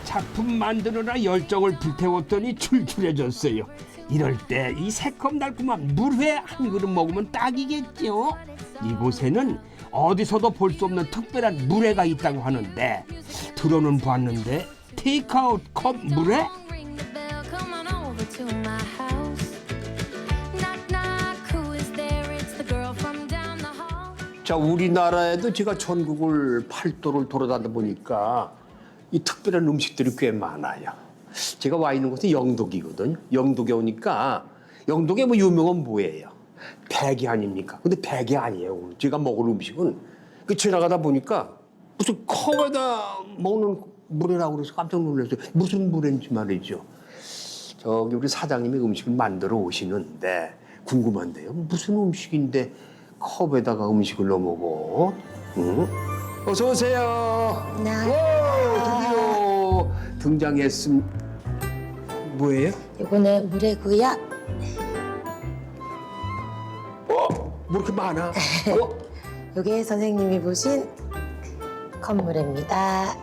작품 만드느라 열정을 불태웠더니 출출해졌어요. 이럴 때 이 새콤달콤한 물회 한 그릇 먹으면 딱이겠죠. 이곳에는 어디서도 볼 수 없는 특별한 물회가 있다고 하는데 들어는 봤는데 테이크아웃 컵 물회? 자, 우리나라에도 제가 전국을 팔도를 돌아다니다 보니까 이 특별한 음식들이 꽤 많아요. 제가 와 있는 곳은 영덕이거든요. 영덕에 오니까 영덕에 뭐 유명한 뭐예요? 백이 아닙니까? 근데 백이 아니에요. 오늘 제가 먹을 음식은 그 지나가다 보니까 무슨 컵에다 먹는 물회라고 그래서 깜짝 놀랐어요. 무슨 물회인지 말이죠. 저기 우리 사장님이 음식을 만들어 오시는데 궁금한데요. 무슨 음식인데 컵에다가 음식을 넣어 먹어? 응? 어서 오세요. 네. 오, 드디어 등장했음. 뭐예요? 이거는 물회고요. 뭐 이렇게 많아? 이게 선생님이 보신 컵물회입니다.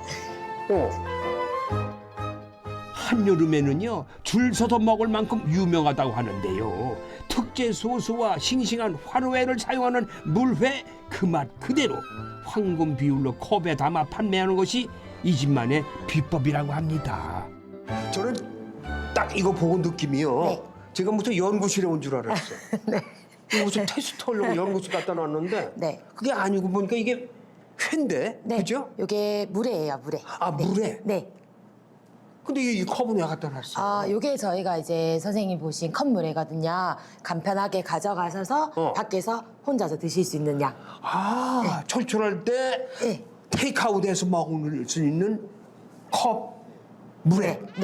한여름에는요 줄 서서 먹을 만큼 유명하다고 하는데요. 특제 소스와 싱싱한 화로회를 사용하는 물회 그 맛 그대로 황금 비율로 컵에 담아 판매하는 것이 이 집만의 비법이라고 합니다. 저는 딱 이거 보고 느낌이요. 네. 제가 무슨 연구실에 온 줄 알았어요. 이거 무슨 테스트 하려고 연구실 갖다 놨는데 네. 그게 아니고 보니까 이게 회인데, 네. 그죠? 이게 물회예요, 물회. 아, 네. 물회? 네. 근데 이 컵은 왜 갖다 놨어? 요게 저희가 이제 선생님 보신 컵물회거든요. 간편하게 가져가셔서 밖에서 혼자서 드실 수 있는 양. 아, 철출할 때 네. 테이크아웃해서 먹을 수 있는 컵 물회. 네.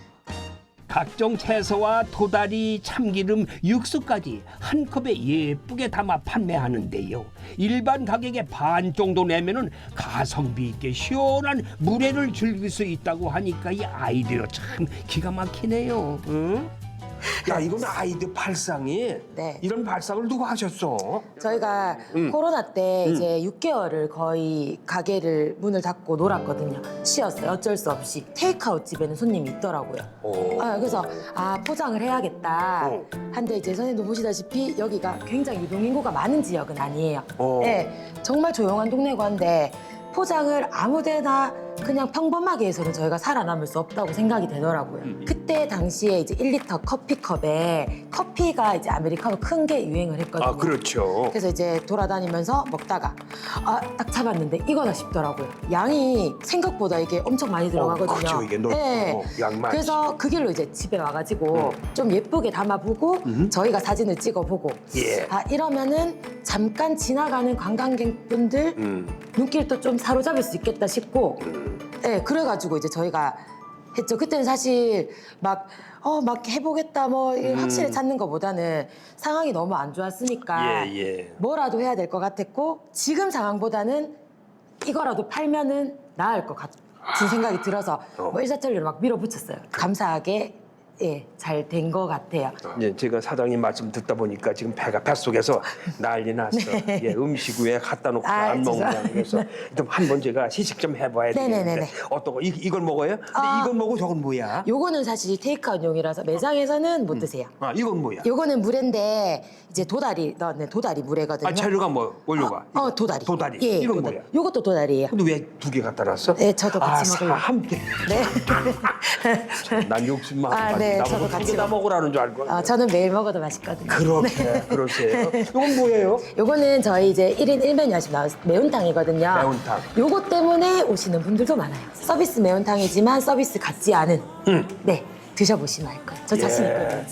각종 채소와 도다리, 참기름, 육수까지 한 컵에 예쁘게 담아 판매하는데요. 일반 가격의 반 정도 내면은 가성비 있게 시원한 물회를 즐길 수 있다고 하니까 이 아이디어 참 기가 막히네요. 응? 야, 이건 아이디어 발상이. 네. 이런 발상을 누가 하셨어? 저희가 코로나 때 이제 6개월을 거의 가게를 문을 닫고 놀았거든요. 쉬었어요. 어쩔 수 없이. 테이크아웃 집에는 손님이 있더라고요. 그래서 포장을 해야겠다. 한데 이제 선생님도 보시다시피 여기가 굉장히 유동인구가 많은 지역은 아니에요. 네, 정말 조용한 동네고 한데 포장을 아무데나 그냥 평범하게 해서는 저희가 살아남을 수 없다고 생각이 되더라고요. 그때 당시에 이제 1리터 커피컵에 커피가 이제 아메리카노 큰 게 유행을 했거든요. 아, 그렇죠. 그래서 이제 돌아다니면서 먹다가 딱 잡았는데 이거다 싶더라고요. 양이 생각보다 이게 엄청 많이 들어가거든요. 그렇죠. 이게 양 많지. 그래서 그 길로 이제 집에 와가지고 좀 예쁘게 담아보고 저희가 사진을 찍어보고 예. 이러면은 잠깐 지나가는 관광객분들 눈길도 좀 사로잡을 수 있겠다 싶고 네, 그래가지고 이제 저희가 했죠. 그때는 사실 막 해보겠다 확실히 찾는 것보다는 상황이 너무 안 좋았으니까 뭐라도 해야 될 것 같았고 지금 상황보다는 이거라도 팔면은 나을 것 같은 생각이 들어서 일사천리로 막 밀어붙였어요. 감사하게 잘 된 것 같아요. 예, 제가 사장님 말씀 듣다 보니까 지금 뱃속에서 난리 났어. 예, 음식 왜 갖다 놓고 안 먹냐. 그래서 좀 한번 제가 시식 좀 해봐야 되겠는데 어떤 거 이걸 먹어요? 근데 이건 뭐고 저건 뭐야? 요거는 사실 테이크아웃용이라서 매장에서는 못 드세요. 이건 뭐야? 요거는 물회인데 이제 도다리 넣는 도다리 물회거든요. 재료가 뭐 원료가? 도다리. 도다리. 예, 이건 뭐야? 요것도 도다리예요. 근데 왜 두 개 갖다 놨어? 네, 저도 같이 먹으려고. 함께. 네. 난 욕심 많아. 네, 저도 나보고 같이 두개다 먹으라는 줄 알고. 저는 매일 먹어도 맛있거든요. 그렇게 그러세요. 이건 뭐예요? 요거는 저희 이제 1인 1메뉴 하시면 나온 매운탕이거든요. 매운탕. 요거 때문에 오시는 분들도 많아요. 서비스 매운탕이지만 서비스 같지 않은. 네, 드셔보시면 알 거예요. 저 자신 있거든요.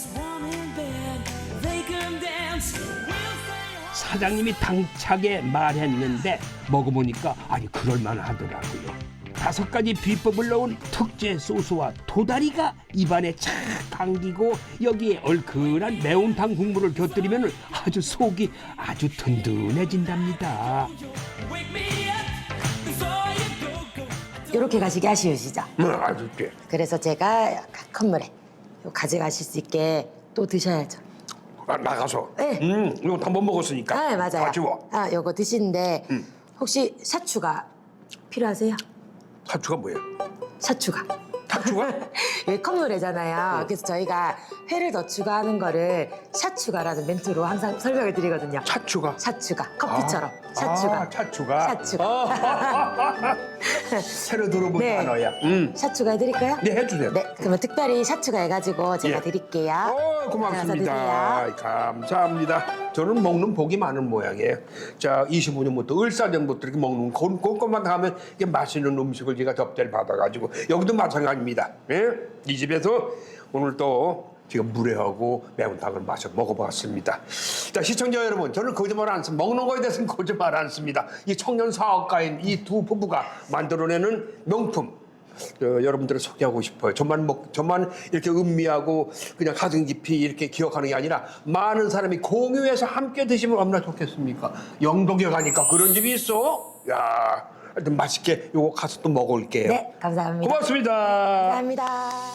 사장님이 당차게 말했는데 먹어보니까 그럴만하더라고요. 5가지 비법을 넣은 특제 소스와 도다리가 입안에 착 당기고 여기에 얼큰한 매운탕 국물을 곁들이면 아주 속이 아주 든든해진답니다. 이렇게 가시기 아쉬우시죠? 아주 꽤. 그래서 제가 약간 컵물에 요 가져가실 수 있게 또 드셔야죠. 나가서. 네. 이거 한번 먹었으니까. 네, 맞아요. 아쉬워. 요거 드시는데 혹시 샤추가 필요하세요? 사추가 뭐예요? 샤추가. 차추가? 여기 컵노래잖아요. 그래서 저희가 회를 더 추가하는 거를 샷추가라는 멘트로 항상 설명을 드리거든요. 차추가. 샷추가 커피처럼 샷추가. 차추가. 샷추가. 새로 들어본 네. 단어야. 샷추가 해드릴까요? 네, 해주세요. 네, 그러면 특별히 샷추가 해가지고 제가 예. 드릴게요. 고맙습니다. 드세요. 감사합니다. 저는 먹는 복이 많은 모양이에요. 자, 25년부터 을사년부터 이렇게 먹는 그것만 하면 이게 맛있는 음식을 제가 접대를 받아가지고 여기도 마찬가지입니다. 예? 이 집에서 오늘 또 제가 물회하고 매운탕을 먹어봤습니다. 자, 시청자 여러분, 저는 거짓말 안 씁니다. 먹는 거에 대해서는 거짓말 안 씁니다. 이 청년 사업가인 이 두 부부가 만들어내는 명품. 여러분들을 소개하고 싶어요. 저만 이렇게 음미하고 그냥 가슴 깊이 이렇게 기억하는 게 아니라 많은 사람이 공유해서 함께 드시면 얼마나 좋겠습니까? 영동에 가니까 그런 집이 있어? 야, 하여튼 맛있게 요거 가서 또 먹을게요. 네, 감사합니다. 고맙습니다. 감사합니다.